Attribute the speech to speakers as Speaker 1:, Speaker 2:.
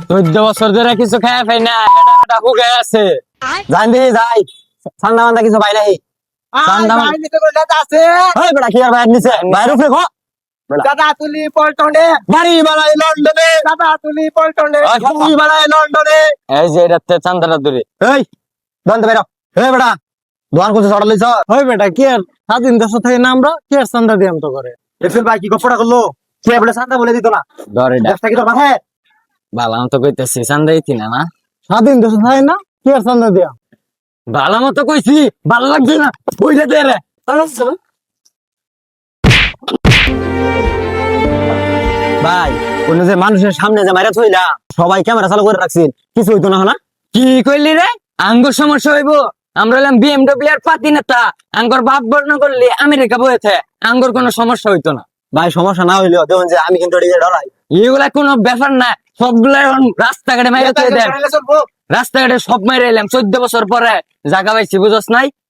Speaker 1: 14 বছর ধরে কিছু খায় পাই না, এটা হুগে আছে।
Speaker 2: জান দি যাই ঠান্ডা মান্ডা কিছু পাই নাই ঠান্ডা
Speaker 3: আছে
Speaker 2: ওই বেটা কি আর বাইরে নিছে বাইরে উঠে খো
Speaker 3: দাদা তুলি পল্টনে
Speaker 2: বাড়ি বাড়াই লন্ডনে
Speaker 3: দাদা তুলি পল্টনে
Speaker 2: বাড়ি বাড়াই লন্ডনে
Speaker 1: এই যে এটাতে চান্দাটা দূরে।
Speaker 2: এই দন্ত বেরো এই বেটা দোয়ান কোথায় চড়া লইছ
Speaker 3: ওই বেটা কি আর স্বাধীন দেশ থেকে না আমরা কি আর চান্দা দিয়াম তো করে
Speaker 2: এফএল ভাই কি গপ্পটা করলো কে বলে শান্তা বলে দিত না
Speaker 1: ধর এটা
Speaker 2: দেশটা কি তোর মাথায়
Speaker 1: ভালো মতো কইতেছি, চান্দা দিতি না না?
Speaker 3: স্বাধীন দেশ থাকে না কি আর চান্দা দিয়াম
Speaker 1: ভালো মতো কইছি, ভালো লাগছে না বুঝলে দে রে।
Speaker 2: ভাই কোন যে মানুষের সামনে যে মাইরা থইলা সবাই ক্যামেরা চালু করে রাখছেন কিছু হইতো না না
Speaker 1: কি কইলি রে? আঙ্গুর সমস্যা হইব? আমরা হলাম বিএমডব্লিউ এর পাতি নেতা, আঙ্গুর বাপ বর্ণ করলে আমেরিকা বইতে আঙ্গুর কোনো সমস্যা হইতো না।
Speaker 2: ভাই সমস্যা না হইলেও দেখুন যে আমি কিন্তু এদিকে ডরাই
Speaker 1: এগুলা কোনো ব্যাপার না, সবগুলা এখন রাস্তাঘাটে মাইরে থই দেন। রাস্তাঘাটে সব মাইরে এলাম 14 বছর পরে জায়গা পাইছি, বুঝছ নাই?